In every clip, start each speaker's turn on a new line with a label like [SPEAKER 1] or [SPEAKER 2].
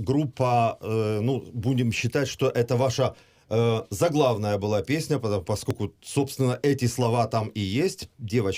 [SPEAKER 1] группа, ну, будем считать, что это ваша заглавная была песня, поскольку, собственно, эти слова там и есть.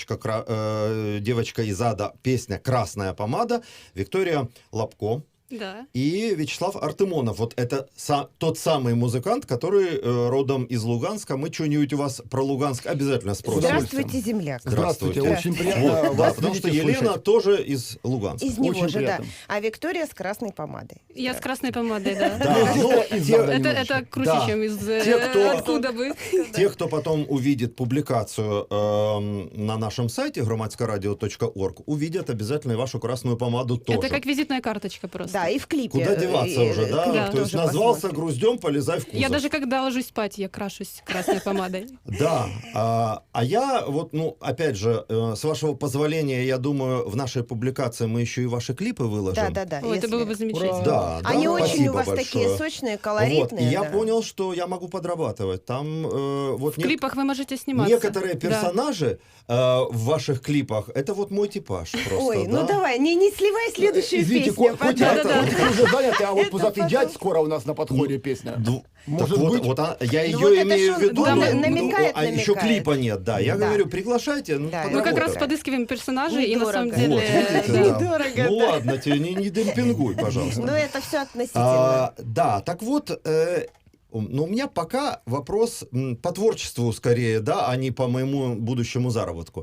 [SPEAKER 1] Девочка из ада, песня «Красная помада», Виктория Лапко.
[SPEAKER 2] Да.
[SPEAKER 1] И Вячеслав Артемонов. Вот это тот самый музыкант, который родом из Луганска. Мы что-нибудь у вас про Луганск обязательно спросим.
[SPEAKER 3] Здравствуйте, земляк.
[SPEAKER 1] Здравствуйте.
[SPEAKER 4] Очень приятно
[SPEAKER 1] Вот, да,
[SPEAKER 4] вас
[SPEAKER 1] потому
[SPEAKER 4] видеть
[SPEAKER 1] что
[SPEAKER 4] и
[SPEAKER 1] Елена
[SPEAKER 4] слышать.
[SPEAKER 1] тоже из Луганска.
[SPEAKER 3] Из него
[SPEAKER 4] Очень
[SPEAKER 3] же,
[SPEAKER 4] приятно.
[SPEAKER 3] да. А Виктория с красной помадой.
[SPEAKER 2] Я с красной помадой, да.
[SPEAKER 1] Да, ну,
[SPEAKER 2] Это круче,
[SPEAKER 1] Да.
[SPEAKER 2] чем из
[SPEAKER 1] Те, кто-
[SPEAKER 2] откуда бы.
[SPEAKER 1] Те, кто потом увидит публикацию на нашем сайте громадскорадио.орг, увидят обязательно и вашу красную помаду тоже.
[SPEAKER 2] Это как визитная карточка просто.
[SPEAKER 3] Да, и в клипе.
[SPEAKER 1] Куда деваться уже, да?
[SPEAKER 2] Да.
[SPEAKER 1] То есть
[SPEAKER 3] тоже
[SPEAKER 1] назвался
[SPEAKER 3] посмотрим.
[SPEAKER 1] груздем, полезай в кузов.
[SPEAKER 2] Я даже когда ложусь спать, я крашусь красной помадой.
[SPEAKER 1] Да, а я вот, ну, опять же, с вашего позволения, я думаю, в нашей публикации мы еще и ваши клипы выложим.
[SPEAKER 3] Да.
[SPEAKER 2] Ой, это
[SPEAKER 3] если-
[SPEAKER 2] было бы замечательно.
[SPEAKER 1] Да,
[SPEAKER 3] Они
[SPEAKER 1] да,
[SPEAKER 3] очень
[SPEAKER 1] спасибо
[SPEAKER 3] у вас
[SPEAKER 1] большое.
[SPEAKER 3] такие сочные,
[SPEAKER 1] Вот,
[SPEAKER 3] колоритные.
[SPEAKER 1] и я
[SPEAKER 3] да.
[SPEAKER 1] понял, что я могу подрабатывать. Там вот
[SPEAKER 2] В клипах вы можете сниматься.
[SPEAKER 1] некоторые
[SPEAKER 2] Да.
[SPEAKER 1] персонажи в ваших клипах, это вот мой типаж просто.
[SPEAKER 3] Ой,
[SPEAKER 1] да?
[SPEAKER 3] ну давай, не сливай следующую
[SPEAKER 4] Извините,
[SPEAKER 3] песню.
[SPEAKER 4] хоть
[SPEAKER 3] пожалуйста.
[SPEAKER 4] это, хоть уже заняты, а вот
[SPEAKER 3] Это
[SPEAKER 4] «Пузатый
[SPEAKER 3] потом.
[SPEAKER 4] дядь» скоро у нас на подходе песня. Может
[SPEAKER 1] так
[SPEAKER 4] быть.
[SPEAKER 1] вот, я ее
[SPEAKER 3] вот это
[SPEAKER 1] имею
[SPEAKER 3] ж
[SPEAKER 1] в
[SPEAKER 3] он,
[SPEAKER 1] виду,
[SPEAKER 2] да,
[SPEAKER 3] намекает.
[SPEAKER 1] а еще клипа нет, да. Я
[SPEAKER 3] Да.
[SPEAKER 1] говорю, приглашайте,
[SPEAKER 3] Да,
[SPEAKER 2] Мы как
[SPEAKER 1] подработаем.
[SPEAKER 2] раз подыскиваем персонажей, и на самом
[SPEAKER 3] Недорого.
[SPEAKER 2] деле...
[SPEAKER 1] Вот, видите,
[SPEAKER 2] да.
[SPEAKER 1] да.
[SPEAKER 3] Недорого,
[SPEAKER 1] Ну
[SPEAKER 3] да.
[SPEAKER 1] ладно, тебе не демпингуй, пожалуйста.
[SPEAKER 3] Ну это все относительно.
[SPEAKER 1] Да, так вот, но у меня пока вопрос по творчеству скорее, да, а не по моему будущему заработку.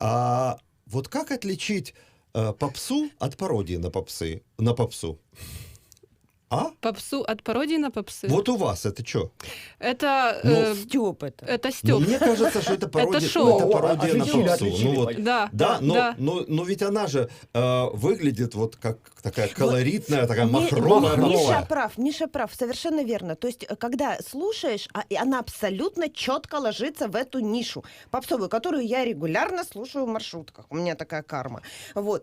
[SPEAKER 1] Вот как отличить попсу от пародии на попсу? А?
[SPEAKER 2] Попсу от пародии на попсы.
[SPEAKER 1] Вот у вас это что?
[SPEAKER 2] Это...
[SPEAKER 1] Ну,
[SPEAKER 3] Стёб это.
[SPEAKER 2] это
[SPEAKER 1] Ну,
[SPEAKER 2] Стёб.
[SPEAKER 1] мне кажется, что это пародия,
[SPEAKER 2] шоу.
[SPEAKER 1] это пародия на
[SPEAKER 4] Отличили,
[SPEAKER 1] попсу.
[SPEAKER 4] отличили.
[SPEAKER 1] Ну, вот,
[SPEAKER 2] Да,
[SPEAKER 1] да,
[SPEAKER 2] да.
[SPEAKER 1] но ведь она же выглядит вот как такая колоритная, такая махровая.
[SPEAKER 3] Миша прав, совершенно верно. То есть, когда слушаешь, и она абсолютно четко ложится в эту нишу попсовую, которую я регулярно слушаю в маршрутках. У меня такая карма. Вот.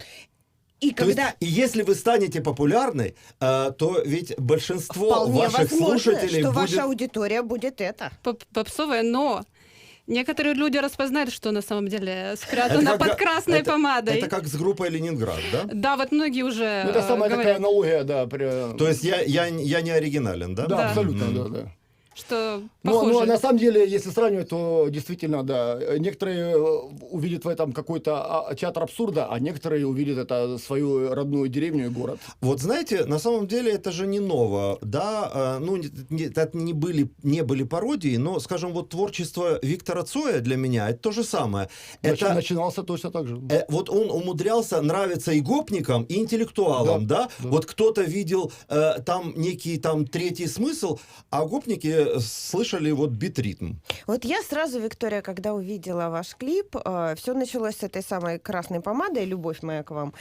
[SPEAKER 3] И
[SPEAKER 1] То есть,
[SPEAKER 3] когда...
[SPEAKER 1] и если вы станете популярной, то ведь большинство
[SPEAKER 3] Вполне
[SPEAKER 1] ваших
[SPEAKER 3] возможно,
[SPEAKER 1] слушателей
[SPEAKER 3] что
[SPEAKER 1] будет...
[SPEAKER 3] ваша аудитория будет это.
[SPEAKER 2] Попсовая, но некоторые люди распознают, что на самом деле спрятано под красной помадой.
[SPEAKER 1] Это как с группой «Ленинград», да?
[SPEAKER 2] Да, вот многие уже
[SPEAKER 4] Ну, это самая такая
[SPEAKER 2] говорят,
[SPEAKER 4] аналогия, да.
[SPEAKER 1] То есть я не оригинален, да?
[SPEAKER 4] Да,
[SPEAKER 2] Да.
[SPEAKER 4] абсолютно, да.
[SPEAKER 2] что
[SPEAKER 4] Ну,
[SPEAKER 2] похоже.
[SPEAKER 4] на самом деле, если сравнивать, то действительно, да, некоторые увидят в этом какой-то театр абсурда, а некоторые увидят это свою родную деревню и город.
[SPEAKER 1] Вот знаете, на самом деле это же не ново, да, ну, это не были пародии, но, скажем, вот творчество Виктора Цоя для меня, это то же самое. Это...
[SPEAKER 4] Начинался точно так же.
[SPEAKER 1] Вот он умудрялся нравиться и гопникам, и интеллектуалам, да? Вот кто-то видел там некий там третий смысл, а гопники слышали вот бит-ритм.
[SPEAKER 3] Вот я сразу, Виктория, когда увидела ваш клип, все началось с этой самой красной помадой, любовь моя к вам.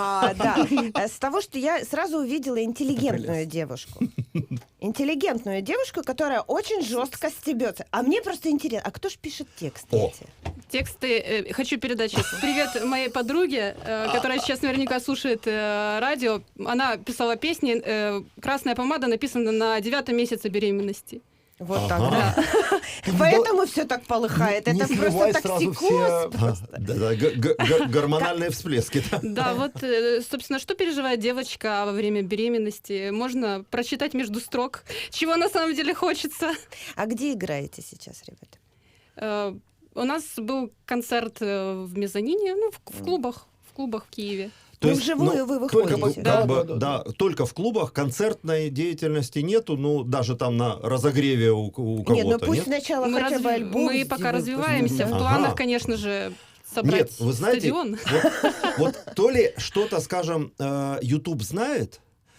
[SPEAKER 3] Да, с того, что я сразу увидела интеллигентную девушку. Интеллигентную девушку, которая очень жестко стебется. А мне просто интересно, а кто ж пишет тексты
[SPEAKER 1] О.
[SPEAKER 3] эти?
[SPEAKER 2] Тексты хочу передать сейчас. Привет моей подруге, которая сейчас наверняка слушает радио. Она писала песни. «Красная помада» написана на 9-м месяце беременности.
[SPEAKER 3] Вот так,
[SPEAKER 1] Ага.
[SPEAKER 3] да. Поэтому все так полыхает.
[SPEAKER 4] Не
[SPEAKER 3] Это
[SPEAKER 4] сливай
[SPEAKER 3] просто
[SPEAKER 4] сразу
[SPEAKER 3] токсикоз.
[SPEAKER 4] все.
[SPEAKER 1] Да, гормональные всплески. Да.
[SPEAKER 2] Да, вот, собственно, что переживает девочка во время беременности, можно прочитать между строк, чего на самом деле хочется.
[SPEAKER 3] А где играете сейчас, ребята?
[SPEAKER 2] У нас был концерт в мезонине, ну, в клубах в Киеве.
[SPEAKER 1] То
[SPEAKER 3] Ну,
[SPEAKER 1] есть,
[SPEAKER 3] вживую вы
[SPEAKER 4] только
[SPEAKER 3] выходите.
[SPEAKER 4] Да.
[SPEAKER 1] только в клубах, концертной деятельности нету, ну, даже там на разогреве у кого-то,
[SPEAKER 3] Нет, ну пусть
[SPEAKER 1] нет?
[SPEAKER 3] сначала хотя бы альбом
[SPEAKER 2] Мы пока
[SPEAKER 3] сделают.
[SPEAKER 2] развиваемся. В
[SPEAKER 1] Ага.
[SPEAKER 2] планах, конечно же, собрать
[SPEAKER 1] Нет, вы знаете,
[SPEAKER 2] стадион.
[SPEAKER 1] вот то ли что-то, скажем, YouTube знает,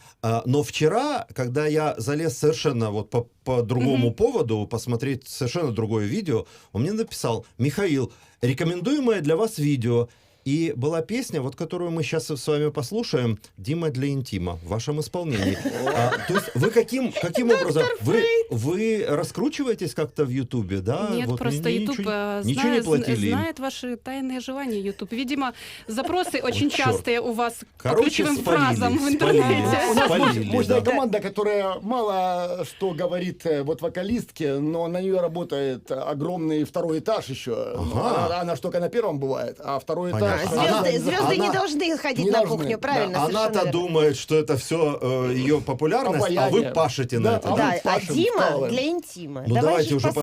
[SPEAKER 1] но вчера, когда я залез совершенно вот по другому поводу, посмотреть совершенно другое видео, он мне написал: Михаил, рекомендуемое для вас видео. И была песня, вот которую мы сейчас с вами послушаем, «Дима для интима» в вашем исполнении. То есть вы каким образом? Вы раскручиваетесь как-то в Ютубе, да?
[SPEAKER 2] Нет,
[SPEAKER 1] Вот
[SPEAKER 2] просто YouTube
[SPEAKER 1] ничего не платили им.
[SPEAKER 2] знает ваши тайные желания. YouTube. Видимо, запросы очень
[SPEAKER 1] чёрт.
[SPEAKER 2] частые у вас по
[SPEAKER 1] Короче,
[SPEAKER 2] ключевым
[SPEAKER 1] спалили,
[SPEAKER 2] фразам в
[SPEAKER 4] У
[SPEAKER 2] интернете.
[SPEAKER 4] нас
[SPEAKER 1] Спалили,
[SPEAKER 4] мощная
[SPEAKER 1] да.
[SPEAKER 4] команда, которая мало что говорит вот вокалистке, но на нее работает огромный второй этаж еще.
[SPEAKER 1] Ага.
[SPEAKER 4] Она ж только на первом бывает, а второй этаж
[SPEAKER 3] Звезды не должны ходить
[SPEAKER 4] Не
[SPEAKER 3] на
[SPEAKER 4] должны.
[SPEAKER 3] кухню, правильно?
[SPEAKER 1] Да,
[SPEAKER 3] совершенно
[SPEAKER 1] она-то
[SPEAKER 3] верно.
[SPEAKER 1] думает, что это все ее популярность, а вы
[SPEAKER 4] Обаяние.
[SPEAKER 1] пашете на
[SPEAKER 4] Да,
[SPEAKER 1] это.
[SPEAKER 3] Да, а
[SPEAKER 4] Пашем,
[SPEAKER 3] Дима
[SPEAKER 4] вкалываем.
[SPEAKER 3] для интима.
[SPEAKER 1] Ну
[SPEAKER 3] Давай
[SPEAKER 1] давайте
[SPEAKER 3] же
[SPEAKER 1] уже